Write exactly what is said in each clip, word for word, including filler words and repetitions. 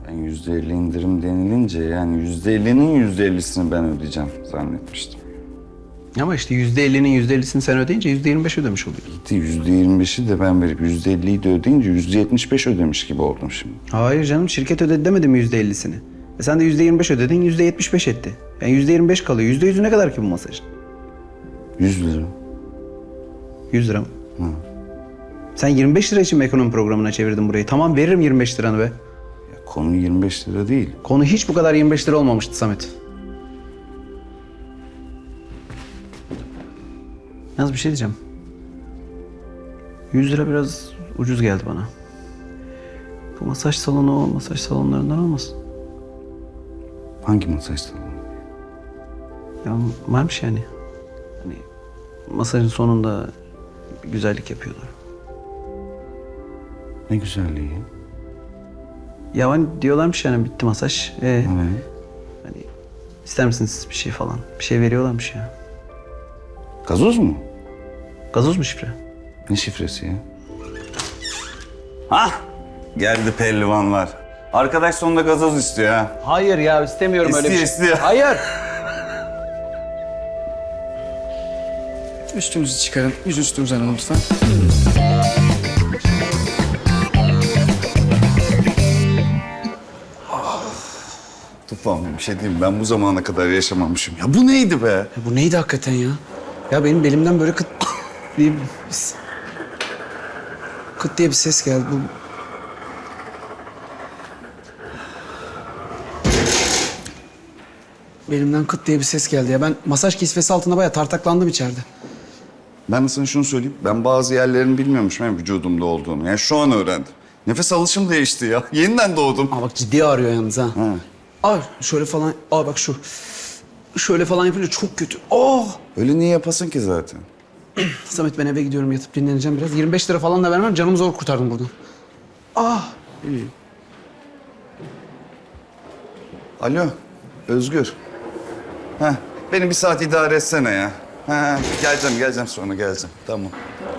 Ben yüzde elli indirim denilince yani yüzde ellinin yüzde ellisini ben ödeyeceğim zannetmiştim. Ama işte yüzde ellinin yüzde ellisini sen ödeyince yüzde yirmi beş ödemiş oluyorsun. yüzde yirmi beşi de ben verip yüzde elliyi de ödeyince yüzde yetmiş beş ödemiş gibi oldum şimdi. Hayır canım, şirket ödedi demedi mi yüzde ellisini? E sen de yüzde yirmi beş ödedin, yüzde yetmiş beş etti. Yani yüzde yirmi beş kalıyor. Yüzde yüzü ne kadar ki bu masajın? yüz lira. Yüz lira mı? Hı. Sen yirmi beş lira için mi ekonomi programına çevirdin burayı? Tamam, veririm yirmi beş liranı be. Ya konu yirmi beş lira değil. Konu hiç bu kadar yirmi beş lira olmamıştı Samet. Yalnız bir şey diyeceğim. yüz lira biraz ucuz geldi bana. Bu masaj salonu o masaj salonlarından olmasın? Hangi masaj salonu? Ya varmış yani. Hani masajın sonunda bir güzellik yapıyorlar. Ne güzelliği. Ya hani diyorlarmış yani bitti masaj. Ee, Evet. hani ister misiniz bir şey falan? Bir şey veriyorlarmış ya. Gazoz mu? Gazoz mu şifre? Ne şifresi ya? Hah! Geldi pehlivanlar. Arkadaş sonunda gazoz istiyor ha. Hayır ya, istemiyorum öyle bir şey. İstiyor, istiyor. Hayır. Üstünüzü çıkarın. Yüzüstü uzanın lütfen. Tufan bir şey diyeyim, ben bu zamana kadar yaşamamışım. Ya bu neydi be? Ya bu neydi hakikaten ya? Ya benim belimden böyle kıt diye bir... Kıt diye bir ses geldi. Bu... Belimden kıt diye bir ses geldi ya. Ben masaj kisvesi altında bayağı tartaklandım içeride. Ben de sana şunu söyleyeyim. Ben bazı yerlerini bilmiyormuşum hem vücudumda olduğunu. Yani şu an öğrendim. Nefes alışım değişti ya. Yeniden doğdum. Aa bak ciddi ağrıyor yalnız ha. Ha. Aa şöyle falan. Aa bak şu. Şöyle falan yapınca çok kötü. Oh! Öyle niye yapasın ki zaten? Samet ben eve gidiyorum, yatıp dinleneceğim biraz. yirmi beş lira falan da vermem, canımı zor kurtardım buradan. Ah! Alo, Özgür. Heh, beni bir saat idare etsene ya. Ha, geleceğim, geleceğim sonra geleceğim. Tamam.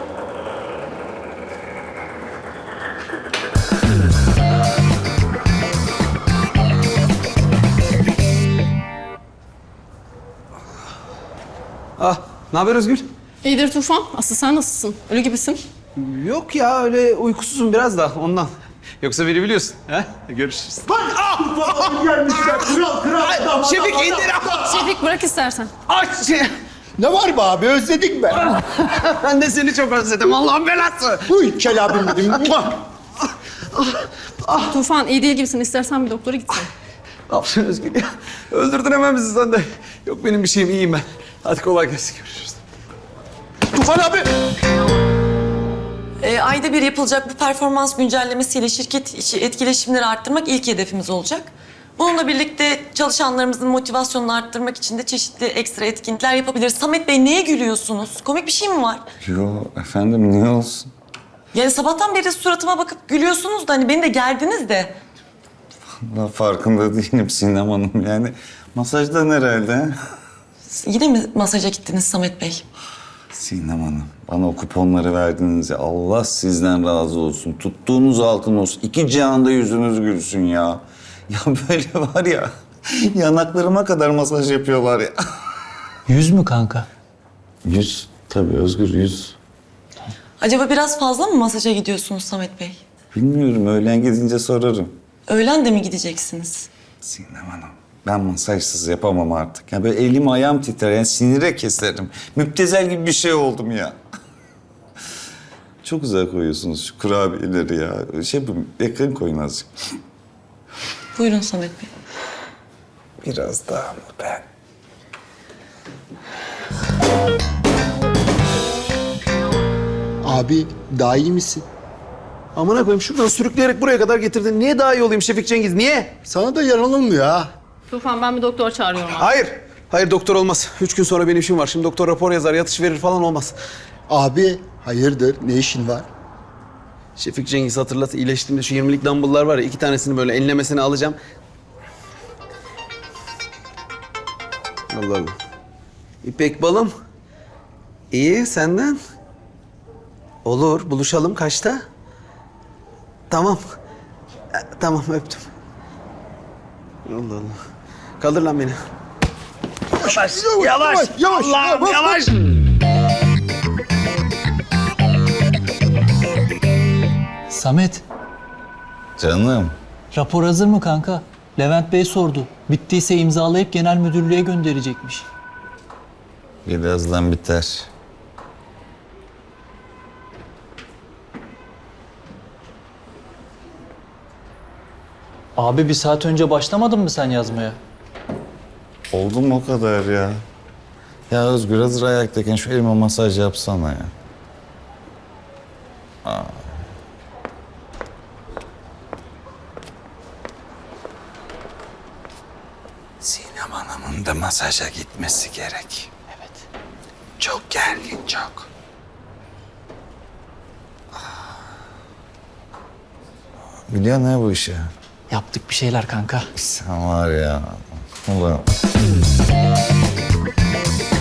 Ah! Ne haber Özgür? İyidir Tufan. Aslı sen nasılsın? Ölü gibisin. Yok ya, öyle uykusuzum biraz da ondan. Yoksa beni biliyorsun. Ha? Görüşürüz. Bak! Ah! Gelmişler. Kral, kral. Şefik indir. Şefik bırak istersen. Aç! Şey. Ne var be abi, özledik be. Ben de seni çok özledim. Allah'ın belası. Uy kel abim dedim. Tufan iyi değil gibisin. İstersen bir doktora gitsin. Ne yapıyorsun Özgür ya? Öldürdün hemen bizi sen de. Yok benim bir şeyim, iyiyim ben. Hadi kolay gelsin, görüşürüz. Tufan abi. E, ayda bir yapılacak bu performans güncellemesiyle şirket içi etkileşimleri arttırmak ilk hedefimiz olacak. Bununla birlikte çalışanlarımızın motivasyonunu arttırmak için de çeşitli ekstra etkinlikler yapabiliriz. Samet Bey neye gülüyorsunuz? Komik bir şey mi var? Yo efendim niye olsun? Yani sabahtan beri suratıma bakıp gülüyorsunuz da hani beni de gerdiniz de. Daha farkında değilim Sinem Hanım yani. Masajdan herhalde. Yine mi masaja gittiniz Samet Bey? Sinem Hanım, bana o kuponları verdiniz ya. Allah sizden razı olsun. Tuttuğunuz altın olsun. İki cihanda yüzünüz gülsün ya. Ya böyle var ya, yanaklarıma kadar masaj yapıyorlar ya. Yüz mü kanka? Yüz, tabii Özgür yüz. Acaba biraz fazla mı masaja gidiyorsunuz Samet Bey? Bilmiyorum, öğlen gidince sorarım. Öğlen de mi gideceksiniz? Sinem Hanım, ben masajsız yapamam artık. Ya böyle elim ayağım titrer, yani sinire keserim. Müptezel gibi bir şey oldum ya. Çok güzel koyuyorsunuz şu kurabiyeleri ya. Şey bu, yakın koyun azıcık. Buyurun Samet Bey. Biraz daha mı ben? Abi daha iyi misin? Amına koyayım, şuradan sürükleyerek buraya kadar getirdin. Niye daha iyi olayım Şefik Cengiz, niye? Sana da yaranılmıyor ha. Tufan ben bir doktor çağırıyorum abi. Hayır. Hayır, doktor olmaz. Üç gün sonra benim işim var. Şimdi doktor rapor yazar, yatış verir falan, olmaz. Abi hayırdır, ne işin var? Şefik Cengiz hatırlat, iyileştiğimde şu yirmilik dumbbell'lar var ya, iki tanesini böyle enlemesine alacağım. Allah Allah. İpek balım. İyi, senden? Olur, buluşalım kaçta? Tamam. E, Tamam, öptüm. Allah Allah. Kaldır lan beni. Yavaş, yavaş, yavaş. Allah'ım yavaş. Samet, Canım. rapor hazır mı kanka? Levent Bey sordu. Bittiyse imzalayıp genel müdürlüğe gönderecekmiş. Birazdan biter. Abi bir saat önce başlamadın mı sen yazmaya? Oldu mu o kadar ya? Ya Özgür hazır ayaktayken şu elime masaj yapsana ya. Aa. Sinem Hanım'ın da masaja gitmesi gerek. Evet. Çok gergin, çok. Biliyor ne bu işi? Yaptık bir şeyler kanka. Sen var ya. Ulan.